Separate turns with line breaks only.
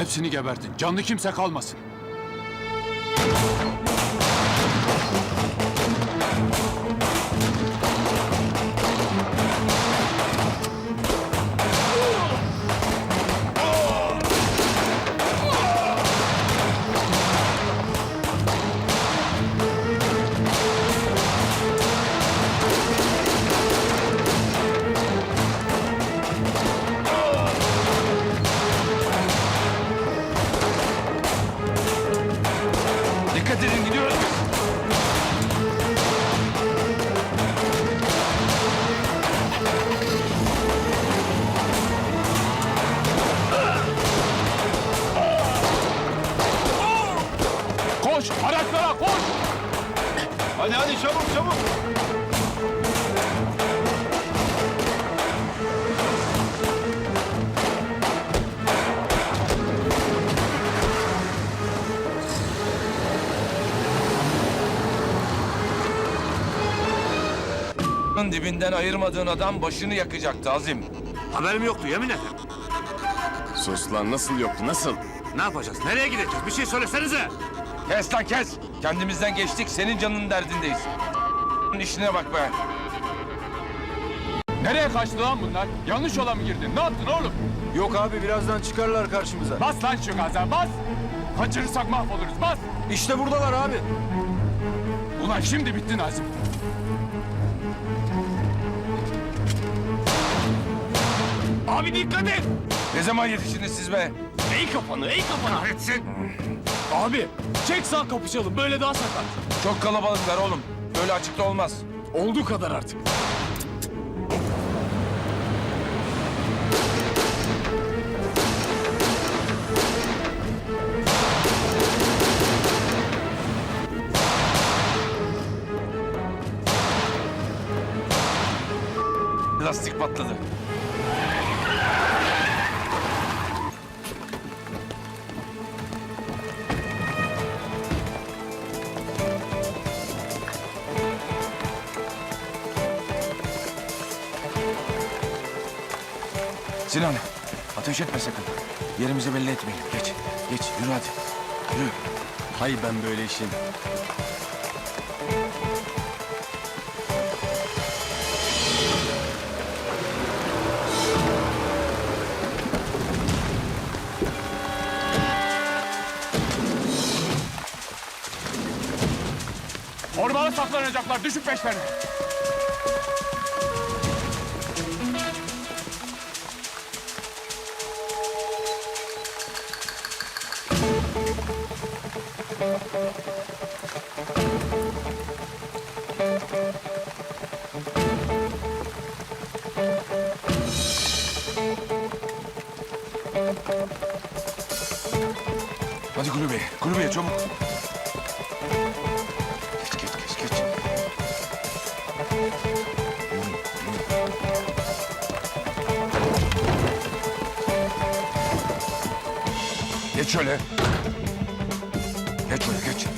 Hepsini gebertin. Canlı kimse kalmasın.
Dikkat edin, gidiyoruz biz.
Koş! Araçlara koş!
Hadi çabuk çabuk. Dibinden ayırmadığın adam başını yakacaktı Azim.
Haberim yoktu yemin ederim.
Sus lan, nasıl yoktu, nasıl?
Ne yapacağız? Nereye gideceğiz? Bir şey söylesenize.
Kes lan kes! Kendimizden geçtik, senin canının derdindeyiz. İşine bak be!
Nereye kaçtı lan bunlar? Yanlış yola mı girdin? Ne yaptın oğlum?
Yok abi birazdan çıkarlar karşımıza.
Bas lan şu gaza, bas! Kaçırırsak mahvoluruz, bas!
İşte buradalar abi.
Ulan şimdi bitti Nazım.
Abi dikkat et.
Ne zaman yetiştiniz siz be?
Ey kafanı. Kahretsin.
Abi çek sağ kapışalım böyle daha sakat.
Çok kalabalıklar oğlum. Böyle açıkta olmaz.
Olduğu kadar artık.
Lastik patladı. Sinan, ateş etme sakın. Yerimizi belli etmeyelim. Geç, yürü hadi. Yürü.
Hay ben böyle işin.
Ormana saklanacaklar, düşük peşlerine.
Hadi kulübeye çabuk. Geç. Geç şöyle. Geç.